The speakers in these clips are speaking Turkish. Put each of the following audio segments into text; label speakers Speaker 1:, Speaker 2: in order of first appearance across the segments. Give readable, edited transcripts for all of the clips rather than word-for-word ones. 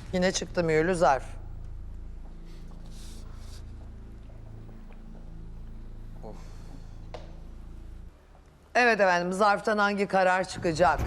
Speaker 1: Yine çıktı mühürlü zarf. Evet efendim, zarftan hangi karar çıkacak?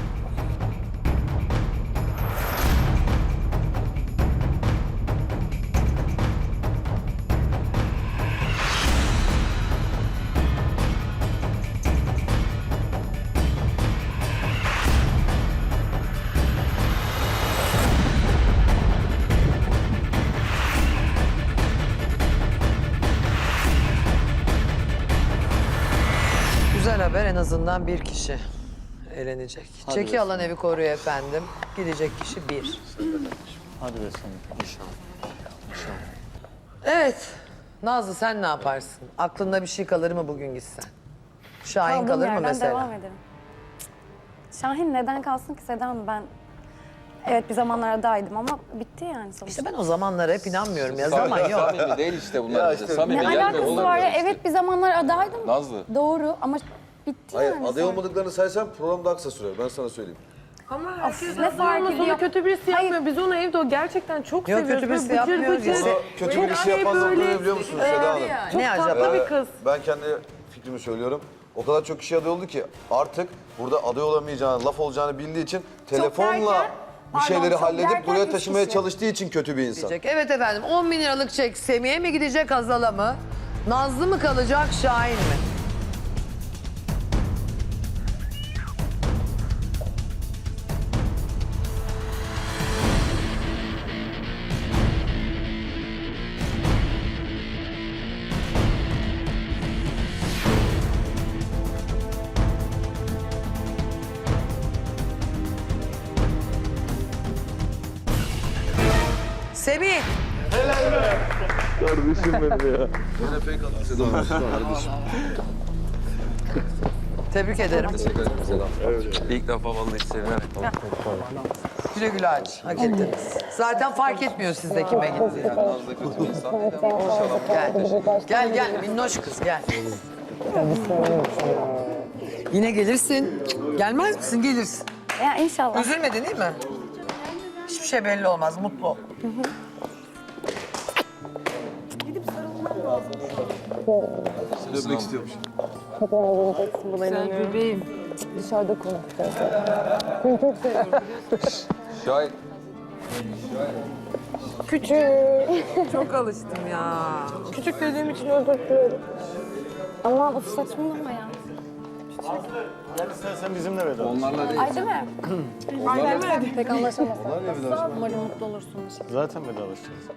Speaker 1: Güzel haber, en azından bir kişi elenecek. Çeki alan evi koruyor efendim. Gidecek kişi bir.
Speaker 2: Hadi be sana. İnşallah.
Speaker 1: Evet. Nazlı sen ne yaparsın? Aklında bir şey kalır mı bugün gitsen? Şahin
Speaker 3: Kaldığım
Speaker 1: kalır mı
Speaker 3: yerden
Speaker 1: mesela?
Speaker 3: devam ederim. Şahin neden kalsın ki Seda Hanım? Ben evet bir zamanlar adaydım ama bitti yani sonuçta.
Speaker 1: İşte ben o zamanlara hep inanmıyorum ya. Zaman yok.
Speaker 4: Samimi değil işte bunlar bize. Samimi
Speaker 3: Ne
Speaker 4: gelmiyor
Speaker 3: alakası
Speaker 4: bunlar
Speaker 3: var ya?
Speaker 4: bize işte.
Speaker 3: Evet bir zamanlar adaydım.
Speaker 4: Nazlı.
Speaker 3: Doğru ama bitti
Speaker 5: Hayır,
Speaker 3: yani.
Speaker 5: aday
Speaker 3: sonra.
Speaker 5: olmadıklarını saysam program daha kısa sürer. Ben sana söyleyeyim.
Speaker 6: Ama herkes
Speaker 3: ne fark
Speaker 6: ama
Speaker 3: ediyor?
Speaker 6: sonra kötü birisi
Speaker 3: Hayır.
Speaker 6: yapmıyor. Biz onu evde o gerçekten çok
Speaker 1: Yok,
Speaker 6: seviyoruz.
Speaker 1: kötü birisi
Speaker 6: Böyle bıcır
Speaker 1: yapmıyor
Speaker 6: bıcır.
Speaker 1: bizi.
Speaker 5: Ama kötü
Speaker 6: Çok
Speaker 5: birisi
Speaker 6: hani
Speaker 5: yapmazlar
Speaker 6: böyle,
Speaker 5: ne biliyor musunuz Seda Hanım?
Speaker 6: Çok
Speaker 1: Ne
Speaker 6: tatlı
Speaker 1: acaba?
Speaker 6: bir kız.
Speaker 5: Ben kendi fikrimi söylüyorum. O kadar çok kişi aday oldu ki artık burada aday olamayacağını, laf olacağını bildiği için telefonla
Speaker 3: derken,
Speaker 5: bir
Speaker 3: pardon,
Speaker 5: şeyleri
Speaker 3: çok
Speaker 5: halledip
Speaker 3: derken
Speaker 5: buraya
Speaker 3: üç
Speaker 5: taşımaya
Speaker 3: kişi.
Speaker 5: çalıştığı için kötü bir insan.
Speaker 1: Evet efendim, 10 bin liralık çek Semih'e mi gidecek, Hazal'a mı? Nazlı mı kalacak, Şahin mi? Semih!
Speaker 5: Yine fake attı Seda Hanım.
Speaker 1: Tebrik ederim.
Speaker 5: Teşekkür ederim Seda Hanım.
Speaker 4: İlk defa vallahi sevinerek.
Speaker 1: Güle güle aç. Hak ettiniz. Zaten fark etmiyor sizde kime gittiği.
Speaker 5: Nazlı kötü bir insan değil ama inşallah.
Speaker 1: Gel. Gel minnoş kız gel. Yine gelirsin. Gelmez misin? Gelirsin.
Speaker 3: Ya inşallah.
Speaker 1: Üzülmedin değil mi? Hiçbir şey belli olmaz. Mutlu ol.
Speaker 5: Seni öpmek istiyormuş.
Speaker 6: Sen bebeğim.
Speaker 4: Şahit.
Speaker 6: Çok alıştım ya.
Speaker 3: Küçük dediğim için özür dilerim. Ama of saçmalama ya.
Speaker 2: Sen bizimle veda.
Speaker 4: Onlarla değil.
Speaker 3: Ay değil mi? Ay değil mi? Pek anlaşamazsın. Umarım mutlu olursunuz.
Speaker 2: Zaten vedalaşacağız.